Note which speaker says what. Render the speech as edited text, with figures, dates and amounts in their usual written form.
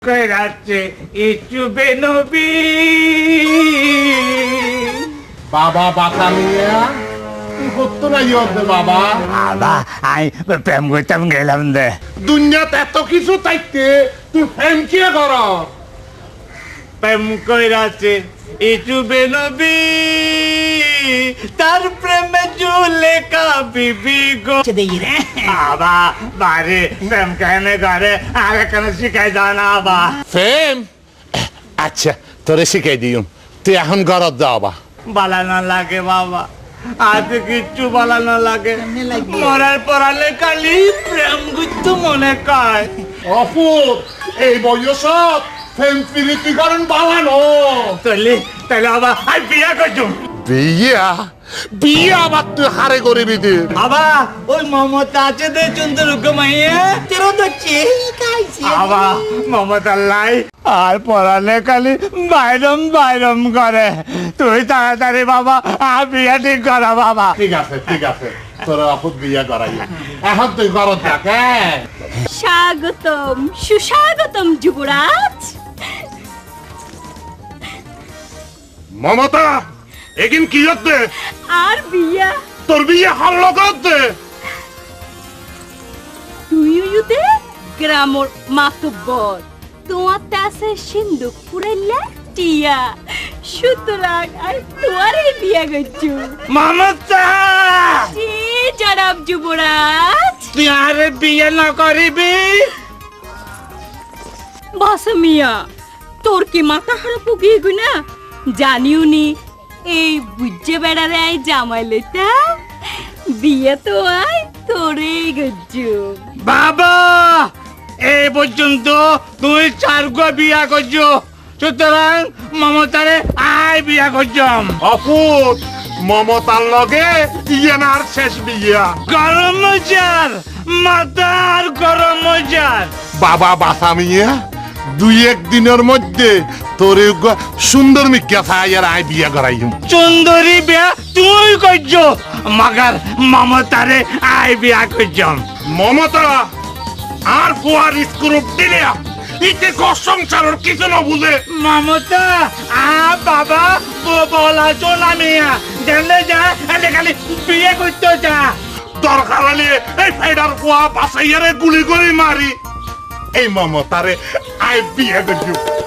Speaker 1: কইরাছে ইচুবে নবী
Speaker 2: বাবা বাতা নিয়া তুই করতো না ইয়তে বাবা
Speaker 1: বাবা আই প্রেম করতাম গেলাম দে
Speaker 2: দুনিয়াতে এত কিছু থাকতে তুই ফ্যান কে কর
Speaker 1: প্রেম কইরাছে ইচুবে নবী তার প্রেমে জুলেখা বিবি গো
Speaker 3: দেই রে
Speaker 1: বাবা বাড়ি প্রেম কেনে করে আর কেন শিখাই জানা বা
Speaker 2: ফেম আচ্ছা তোরে শিখাই দিউম তুই এখন ঘরত যা বাবা
Speaker 1: বালানো লাগে বাবা আজ কিচ্ছু বালানো লাগে
Speaker 3: কেমনে লাগবে?
Speaker 1: মরার পরালে খালি প্রেম গুচ্ছু মনে কয়
Speaker 2: অপুর এই বয়সত ফেম প্রীতি করেন বালানো
Speaker 1: তাহলে আবার আর বিয়া করছুম
Speaker 2: বিয়া বিয়া আবার তুই হারে করবি তুই
Speaker 1: বাবা ওই মমতা আছে দে চন্দ্র মাইয়া
Speaker 3: তেরো তো চেই খাইছি
Speaker 1: বাবা মমতার লাই আর পড়ালে খালি বাইরম করে তুই তাড়াতাড়ি বাবা আর বিয়া ঠিক করা বাবা
Speaker 2: ঠিক আছে তোর অপুর বিয়া করাই এখন তুই ঘরত দেখ হ্যাঁ
Speaker 4: স্বাগতম সুস্বাগতম যুবরাজ
Speaker 2: মমতা এগিন কি হচ্ছে
Speaker 4: আর বিয়া
Speaker 2: তোর বিয়ে হল করতে
Speaker 4: তুইতে গ্রামর মাতব্বর তোমার আছে সিন্ধুক পুরাইলা টিয়া সুতরাং আর তোমারই বিয়া করছু
Speaker 1: মমতা
Speaker 4: জি জনাব যুবরাজ
Speaker 1: তুই আর বিয়ে না করিবি
Speaker 4: বাসমিয়া তোর কি মাথা খারাপ গিয়ে গু না জানিও নি এই বুঝে বেড়ারে আই জামাইলেটা বিয়ে তো আই তোরে গজ্জু
Speaker 1: বাবা এই পর্যন্ত তুই চার গো বিয়া করছ সুতরাং মমতারে আয় বিয়া করছম
Speaker 2: অপুর মমতার লগে ইয়েনার শেষ বিয়া
Speaker 1: গরম মজার মাথার গরম মজার
Speaker 2: বাবা বাসামিয়া দুই এক দিনের মধ্যে তোর সুন্দর মিক্কা ছায়ার আয় বিয়া করাইম
Speaker 1: সুন্দরী বিয়া তুই করছ মাগার মমতারে আয় বিয়া করছম
Speaker 2: মমতা আর ফুয়ার স্ক্রুপ দিলে ইতে সংসারের কিছু না বুঝে
Speaker 1: মমতা বাবা বলা চোলা মিয়া জানলে যা এলে খালি বিয়ে করতে যা
Speaker 2: দরকার হলে এই ফাইডার ফুয়া বাসাইয়ারে গুলি করে মারি এই মমতারে আয় বিয়া করছি